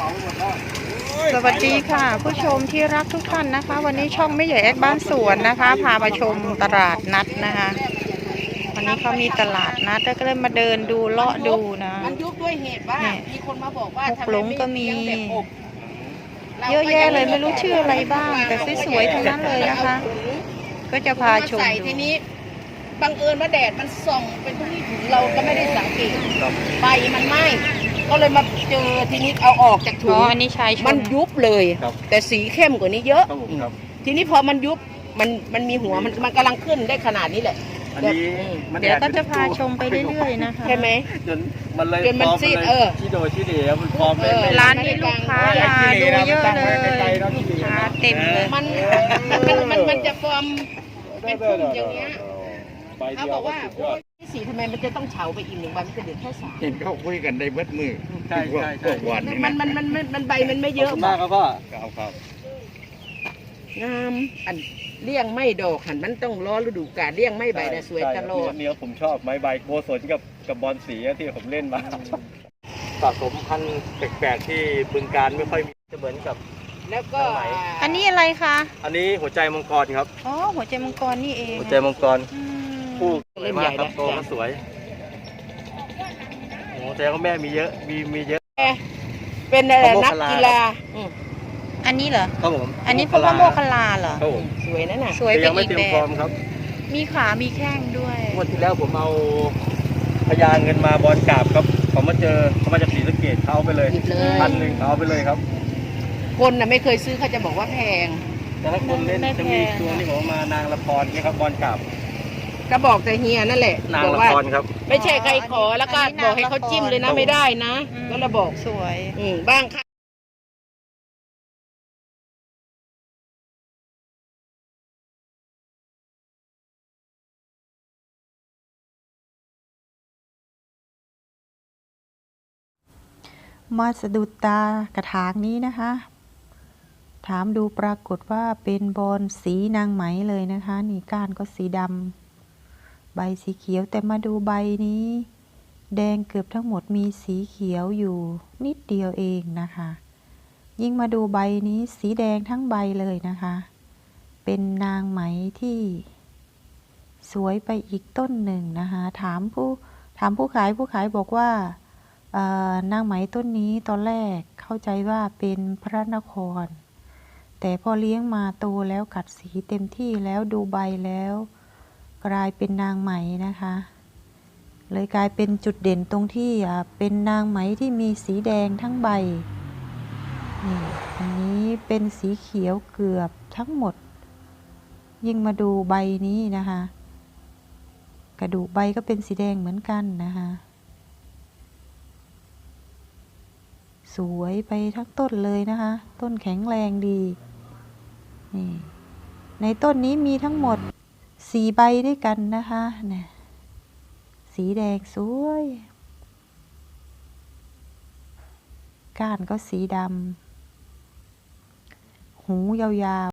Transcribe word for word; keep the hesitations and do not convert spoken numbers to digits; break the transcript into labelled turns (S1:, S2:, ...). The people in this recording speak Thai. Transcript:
S1: สวัสดีค่ะผู้ชมที่รักทุกท่านนะคะวันนี้ช่องไม่ใหญ่แอดบ้านสวนนะคะพามาชมตลาดนัดนะคะวันนี้เขามีตลาดนัดแล้วก็เลยมาเดินดูเลาะดูนะ
S2: มันยุบด้วยเหตุว่ามีคนมาบอกว่าทำไมไม่เลี้ยงแบบอบ
S1: เยอะแยะเลยไม่รู้ชื่ออะไรบ้างแต่สวยๆทั้งนั้นเลยนะคะก็จะพาชมดู
S2: ทีนี้บังเอิญว่าแดดมันส่องเป็นที่ถุงเราก็ไม่ได้สังเกตใบมันไหม้ก็เลยมาเจอทีนี้เอาออกจากถุงมันยุบเลยแต่สีเข้มกว่านี้เยอะทีนี้พอมันยุบมันมันมีหัวมันมันกำลังขึ้นได้ขนาดนี้แหละ
S1: เดี๋ยวก็จะพาชมไปเรื่อยๆนะคะ
S2: ใช่ไหม
S3: จนมันเลย
S2: จนมันซีดเออ
S3: ที่โดยที่เดียวมันพร้อมเลย
S1: ร้านนี้ลูกค้ามาดูเยอะเลยลูกค้าเต็มเลย
S2: มันมันมันมันจะฟอร์มเป็นพุ่มอย่างเงี้ยเขาบอกว่าที่สีทำไมมันจะต้องเฉาไปอีกหนึ่งวันมันจะเดือดแค่สาม
S4: เห็นเขาคุยกันได้เบิดมือ
S3: ใช่ใช่ใช่
S4: วันนี้
S2: มันมันมันมันใบมันไม่เยอะ
S3: มากครับพ่อ
S4: ครับครับ
S2: งามอันเลี้ยงไม่ดอกหันมันต้องรอฤดูกาลเลี้ยงไม่ใบแต่สวยตลอด
S3: เนี้ยผมชอบไม้ใบโกศลกับกับบอลสีที่ผมเล่นมาสะสมพันธุ์แปลกๆที่บึงการไม่ค่อยมีจะเหมือนกับ
S2: แล้วก็
S1: อันนี้อะไรคะ
S3: อันนี้หัวใจมังกรครับ
S1: อ๋อหัวใจมังกรนี่เอง
S3: หัวใจมังกรผู้สวยมากครับโตก็สวยโอ้แต่ก็แม่มีเยอะมีมีเยอะ
S2: เป็นอะไรนักกีฬา
S1: อันนี้เหรอ
S3: ครับผม
S1: อันนี้พวกโมคลาเหรอ
S3: ครับผม
S2: สวยนั่นน่ะ
S1: สวยเป็นอีกแบบ
S3: ครับ
S1: มีขา มีแข้งด้วย
S3: วันที่แล้วผมเอาพญาเงินมาบอลกราบครับเขามาเจอเขามาจากศรีสะเกษเขาไปเลยพันหนึ่งเขาไปเลยครับ
S2: คนน่ะไม่เคยซื้อเขาจะบอกว่าแพง
S3: แต่ถ้าคนเล่นจะมีตัวนี้บอกมานางละครนี่ครับบอลกราบ
S2: ก็บอกแต่เฮียนั่นแหละ
S3: นางละครครับ
S2: ไม่ใช่ใครขอแล้วก็บอกให้เขาจิ้มเลยนะไม่ได้นะก็ระบอก
S1: สวย
S2: อืมบ้างค่ะ
S1: มาสะดุดตากระถางนี้นะคะถามดูปรากฏว่าเป็นบอนสีนางไหมเลยนะคะนี่ก้านก็สีดำใบสีเขียวแต่มาดูใบนี้แดงเกือบทั้งหมดมีสีเขียวอยู่นิดเดียวเองนะคะยิ่งมาดูใบนี้สีแดงทั้งใบเลยนะคะเป็นนางไหมที่สวยไปอีกต้นหนึ่งนะคะถามผู้ถามผู้ขายผู้ขายบอกว่านางไหมต้นนี้ตอนแรกเข้าใจว่าเป็นพระนครแต่พอเลี้ยงมาโตแล้วกัดสีเต็มที่แล้วดูใบแล้วกลายเป็นนางไหมนะคะเลยกลายเป็นจุดเด่นตรงที่เป็นนางไหมที่มีสีแดงทั้งใบนี่อันนี้เป็นสีเขียวเกือบทั้งหมดยิ่งมาดูใบนี้นะคะกระดูกใบก็เป็นสีแดงเหมือนกันนะคะสวยไปทั้งต้นเลยนะคะต้นแข็งแรงดีนี่ในต้นนี้มีทั้งหมดสี่ใบด้วยกันนะคะเนี่ยสีแดงสวยก้านก็สีดำหูยาวๆ